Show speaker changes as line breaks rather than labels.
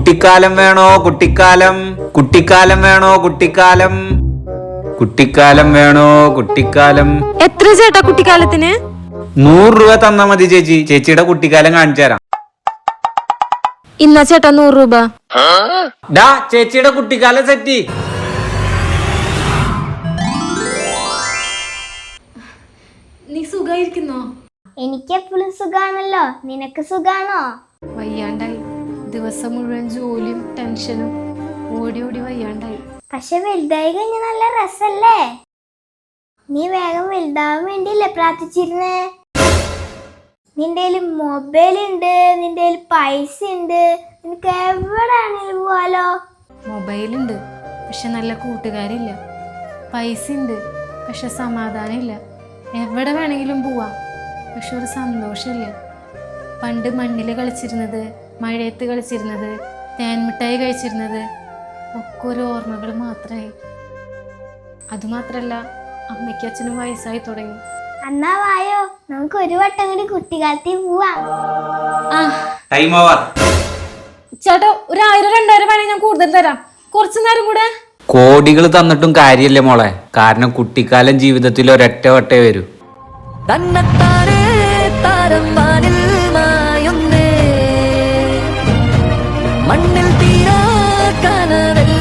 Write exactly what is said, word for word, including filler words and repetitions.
കുട്ടിക്കാലം വേണോ കുട്ടിക്കാലം കുട്ടിക്കാലം വേണോ കുട്ടിക്കാലം കുട്ടിക്കാലം വേണോ കുട്ടിക്കാലം
എത്ര ചേട്ടാ കുട്ടിക്കാലത്തിന്?
നൂറ് രൂപ തന്നാ മതി ചേച്ചി. ചേച്ചിയുടെ കുട്ടിക്കാലം കാണിച്ചു തരാം.
ഇന്നാ ചേട്ടാ നൂറ് രൂപ.
ഡാ ചേച്ചിയുടെ കുട്ടിക്കാലം സെറ്റി.
നീ സുഖായിരിക്കുന്നോ?
എനിക്ക് എപ്പോഴും സുഖാണല്ലോ. നിനക്ക് സുഖാണോ?
വയ്യാണ്ടായി. ദിവസം മുഴുവൻ ജോലിയും ടെൻഷനും ഓടി ഓടി വയ്യാണ്ടായി.
പക്ഷെ വലുതായി കഴിഞ്ഞ നല്ല രസല്ലേ? നീ വേഗം വലുതാവാൻ വേണ്ടിയല്ലേ പ്രാർത്ഥിച്ചിരുന്നേ? നിന്റെ മൊബൈൽ ഉണ്ട്, നിന്റെ പൈസ ഉണ്ട്, നിനക്ക് എവിടെയാണെങ്കിലും പോവാലോ.
മൊബൈലുണ്ട് പക്ഷെ നല്ല കൂട്ടുകാരില്ല. പൈസ ഉണ്ട് പക്ഷെ സമാധാനമില്ല. എവിടെ വേണമെങ്കിലും പോവാം പക്ഷെ ഒരു സന്തോഷമില്ല. പണ്ട് മണ്ണിൽ കളിച്ചിരുന്നത്, മഴയത്ത് കളിച്ചിരുന്നത്, തേൻമിഠായി കഴിച്ചിരുന്നത് ഒക്കെ ഒരു ഓർമ്മകൾ മാത്രമായി. അതുമാത്രല്ല, അമ്മയ്ക്ക് അച്ഛനും വയസ്സായി തുടങ്ങി.
എന്നാ വായോ, നമുക്ക് ഒരു വട്ടം കൂടി കുട്ടിക്കാലത്തിൽ പോവാം.
ചേട്ടാ ഒരു ആയിരം രണ്ടായിരം വേണേ ഞാൻ കൂടുതൽ തരാം. കുറച്ചു നേരം കൂടെ.
കോടികൾ തന്നിട്ടും കാര്യമില്ല മോളെ. കാരണം കുട്ടിക്കാലം ജീവിതത്തിൽ ഒരൊറ്റ വട്ടേ വരൂ.
മണ്ണിൽ തീരാ കനവെല്ലാം